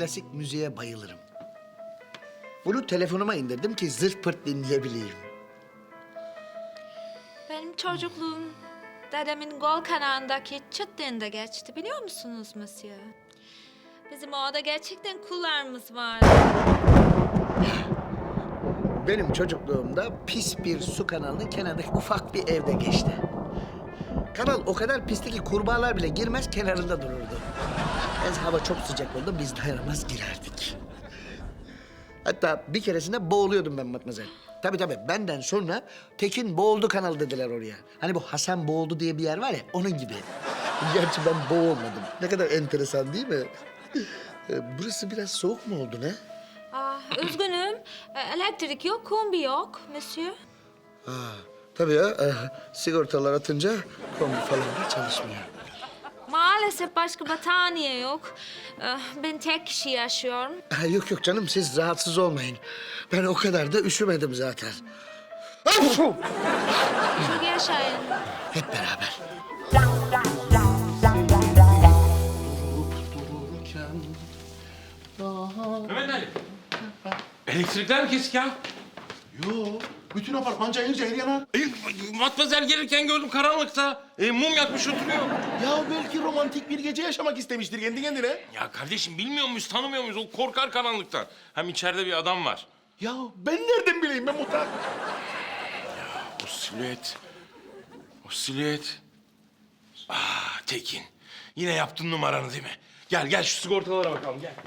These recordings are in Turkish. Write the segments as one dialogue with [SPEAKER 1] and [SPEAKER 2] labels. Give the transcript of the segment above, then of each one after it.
[SPEAKER 1] klasik müziğe bayılırım. Bunu telefonuma indirdim ki zırt pırt dinleyebileyim.
[SPEAKER 2] Benim çocukluğum dedemin gol kanağındaki çıttığında geçti biliyor musunuz Monsieur? Bizim orada gerçekten kullarımız vardı.
[SPEAKER 1] Benim çocukluğumda pis bir su kanalının kenarındaki ufak bir evde geçti. Kanal o kadar pisti ki kurbağalar bile girmez kenarında dururdu. Ez hava çok sıcak oldu, biz dayanamaz girerdik. Hatta bir keresinde boğuluyordum ben Matmazel. Tabii benden sonra Tekin boğuldu kanal dediler oraya. Hani bu Hasan boğuldu diye bir yer var ya, onun gibi. Gerçi ben boğulmadım. Ne kadar enteresan değil mi? Burası biraz soğuk mu oldu ne?
[SPEAKER 2] Üzgünüm. Elektrik yok, kombi yok Monsieur.
[SPEAKER 1] Tabii ya, sigortalar atınca kombi falan da çalışmıyor.
[SPEAKER 2] Maalesef başka battaniye yok. Ben tek kişi yaşıyorum.
[SPEAKER 1] Yok canım, siz rahatsız olmayın. Ben o kadar da üşümedim zaten.
[SPEAKER 2] Çok yaşayın.
[SPEAKER 1] Hep beraber.
[SPEAKER 3] Mehmet Ali. Elektrikler mi kesik ya?
[SPEAKER 4] Yo, bütün apartman cayır cayır yanar.
[SPEAKER 3] Matmazel gelirken gördüm karanlıkta. Mum yakmış oturuyor.
[SPEAKER 4] Ya belki romantik bir gece yaşamak istemiştir kendi kendine.
[SPEAKER 3] Ya kardeşim bilmiyor muyuz, tanımıyor muyuz? O korkar karanlıktan. Hem içeride bir adam var.
[SPEAKER 4] Ya ben nereden bileyim ben muhtar?
[SPEAKER 3] O silüet. O silüet. Tekin. Yine yaptın numaranı değil mi? Gel şu sigortalara bakalım gel.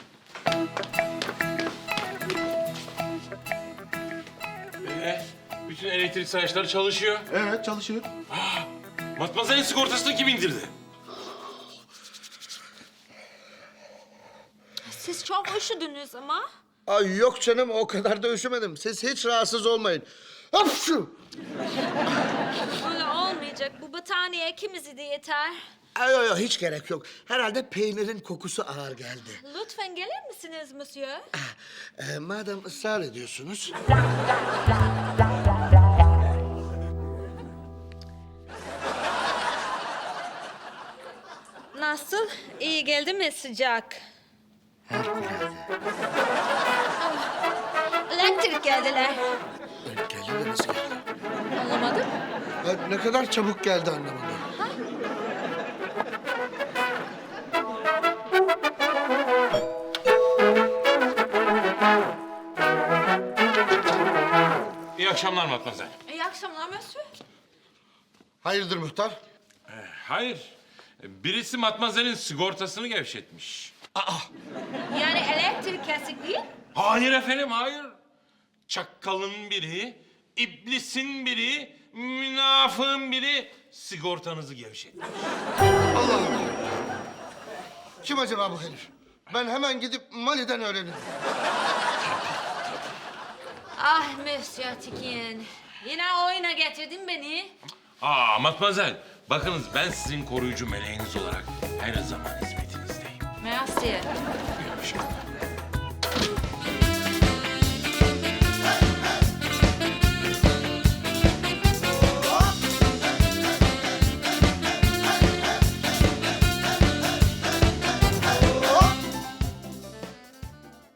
[SPEAKER 3] Bütün elektrik sayaçları çalışıyor.
[SPEAKER 4] Evet çalışıyor.
[SPEAKER 3] Matmazel'in sigortasını kim indirdi?
[SPEAKER 2] Siz çok üşüdünüz ama.
[SPEAKER 1] Ay yok canım, o kadar da üşümedim. Siz hiç rahatsız olmayın. Hapşu!
[SPEAKER 2] Böyle olmayacak. Bu battaniye ikimizi de yeter.
[SPEAKER 1] Yok hiç gerek yok. Herhalde peynirin kokusu ağır geldi.
[SPEAKER 2] Lütfen gelir misiniz Monsieur?
[SPEAKER 1] Madem ısrar ediyorsunuz.
[SPEAKER 2] Nasıl? İyi geldi mi sıcak? Elektrik geldiler.
[SPEAKER 1] Geldi de nasıl geldi?
[SPEAKER 2] Anlamadım.
[SPEAKER 1] Ne kadar çabuk geldi anlamadım.
[SPEAKER 3] İyi akşamlar Matmazel.
[SPEAKER 2] İyi akşamlar Monsieur.
[SPEAKER 1] Hayırdır muhtar?
[SPEAKER 3] Hayır. Birisi Matmazel'in sigortasını gevşetmiş.
[SPEAKER 2] Yani elektrik kesik değil.
[SPEAKER 3] Hayır efendim, hayır. Çakkalın biri, iblisin biri, münafığın biri sigortanızı gevşetmiş.
[SPEAKER 1] Allah Allah. Kim acaba bu herif? Ben hemen gidip Mali'den öğrenirim.
[SPEAKER 2] Ah Monsieur Tekin. Yine oyuna getirdin beni.
[SPEAKER 3] Matmazel, bakınız ben sizin koruyucu meleğiniz olarak her zaman hizmetinizdeyim.
[SPEAKER 2] Merci.
[SPEAKER 3] Görüşürüz.